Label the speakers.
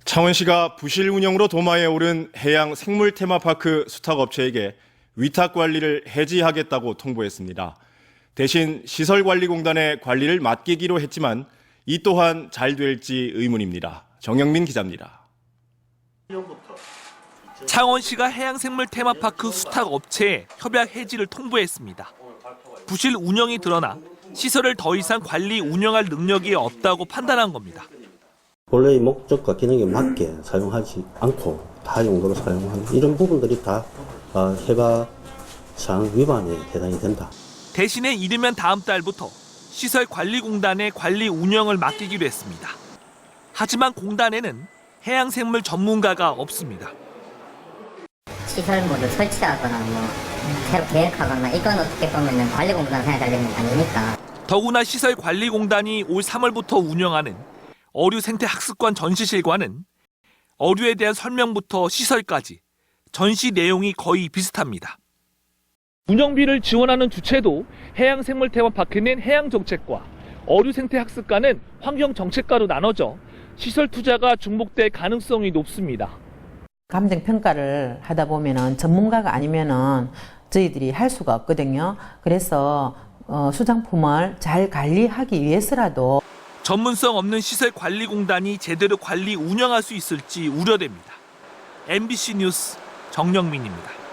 Speaker 1: 창원시가 부실 운영으로 도마에 오른 해양 생물 테마파크 수탁업체에게 위탁 관리를 해지하겠다고 통보했습니다. 대신 시설관리공단의 관리를 맡기기로 했지만 이 또한 잘 될지 의문입니다. 정영민 기자입니다.
Speaker 2: 창원시가 해양생물 테마파크 수탁업체에 협약 해지를 통보했습니다. 부실 운영이 드러나 시설을 더 이상 관리 운영할 능력이 없다고 판단한 겁니다.
Speaker 3: 본래의 목적과 기능에 맞게 사용하지 않고 다용도로 사용하는 이런 부분들이 다 해가상 위반에 해당이 된다.
Speaker 2: 대신에 이르면 다음 달부터 시설관리공단에 관리 운영을 맡기기로 했습니다. 하지만 공단에는 해양생물 전문가가 없습니다.
Speaker 4: 시설 모두 설치하거나 새로 계획하거나 이건 어떻게 보면 관리공단 해야 되는 게 아니니까.
Speaker 2: 더구나 시설관리공단이 올 3월부터 운영하는 어류생태학습관 전시실과는 어류에 대한 설명부터 시설까지 전시 내용이 거의 비슷합니다. 운영비를 지원하는 주체도 해양생물 테마파크는 해양정책과 어류생태학습관은 환경정책과로 나눠져 시설 투자가 중복될 가능성이 높습니다.
Speaker 5: 감정평가를 하다 보면은 전문가가 아니면은 저희들이 할 수가 없거든요. 그래서 수장품을 잘 관리하기 위해서라도
Speaker 2: 전문성 없는 시설관리공단이 제대로 관리 운영할 수 있을지 우려됩니다. MBC 뉴스 정영민입니다.